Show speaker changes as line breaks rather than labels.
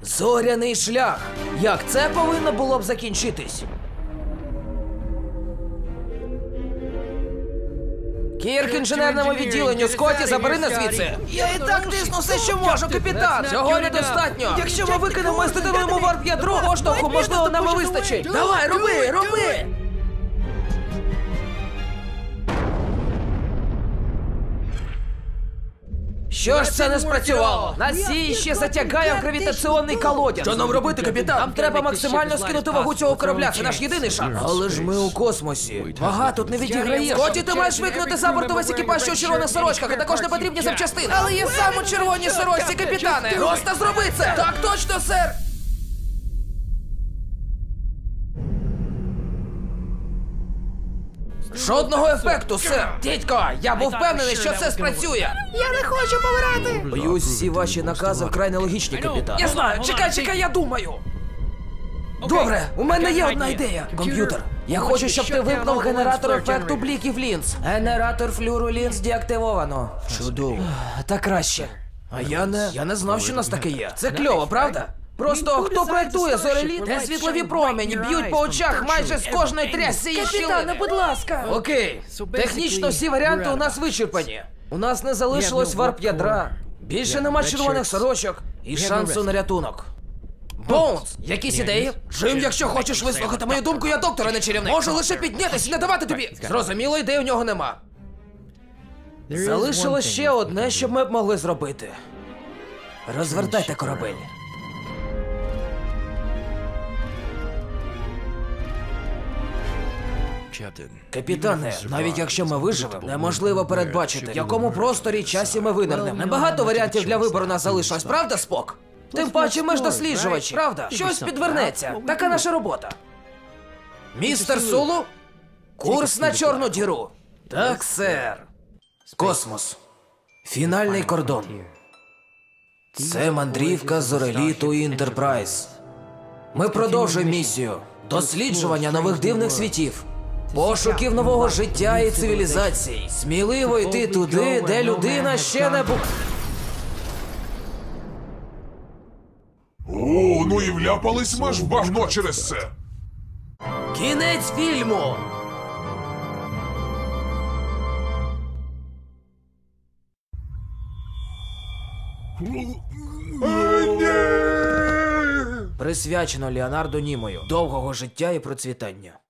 Зоряний шлях. Як це повинно було б закінчитись? Кірк інженерному відділенню, Скотті, забери нас звідси. Я і так тисну все, що можу, капітан. Цього недостатньо. Якщо ми викинемо і здетонуємо варп-ядро, поштовху, можливо, нам і вистачить. Давай, роби! Що ж це не спрацювало? Нас ще затягає в гравітаційний колодязь. Що нам робити, капітан? Нам треба максимально скинути вагу цього корабля, це наш єдиний шанс. Але ж ми у космосі. Вага тут не відіграє. Скотті, ти маєш викинути за борту весь екіпаж, що у червоних сорочках, а також не потрібні запчастини. Але я сам у червоній сорочці, капітане. Просто зроби це! Так точно, сер! Жодного ефекту, сер! Дідько, я був впевнений, що це спрацює!
Я не хочу помирати!
Боюсь, всі ваші накази вкрай нелогічні, капітан. Я знаю, чекай, я думаю! Добре, у мене є одна ідея. Комп'ютер, я хочу, щоб ти вимкнув генератор ефекту бліків лінз. Генератор флюру лінз деактивовано. Чудово. Так краще. А я не знав, що у нас таке є. Це кльово, правда? Просто хто проєктує зореліт, де світлові промені б'ють по очах майже з кожної трясцієї щілини.
Капітане, будь ласка!
Окей, технічно всі варіанти у нас вичерпані. У нас не залишилось варп-ядра, більше нема червоних сорочок і шансу на рятунок. Боунс, якісь ідеї? Джим, якщо хочеш вислухати мою думку, я доктор, а не чарівник. Можу лише піднятися і не давати тобі. Зрозуміло, ідей у нього нема. Залишилось ще одне, що ми б могли зробити. Розвертайте корабель. Капітане, навіть якщо ми виживемо, неможливо передбачити, в якому просторі і часі ми винирнемо. Небагато варіантів для вибору нас залишилось, правда, Спок? Тим паче ми ж досліджувачі, правда? Щось підвернеться. Така наша робота. Містер Сулу? Курс на чорну діру. Так, сер. Космос. Фінальний кордон. Це мандрівка зореліту Інтерпрайз. Ми продовжуємо місію. Досліджування нових дивних світів. Пошуків нового життя і цивілізацій. Сміливо йти туди, де людина ще не була.
О, ну і вляпались ми ж в багно через це.
Кінець фільму! Присвячено Леонардо Німою. Довгого життя і процвітання.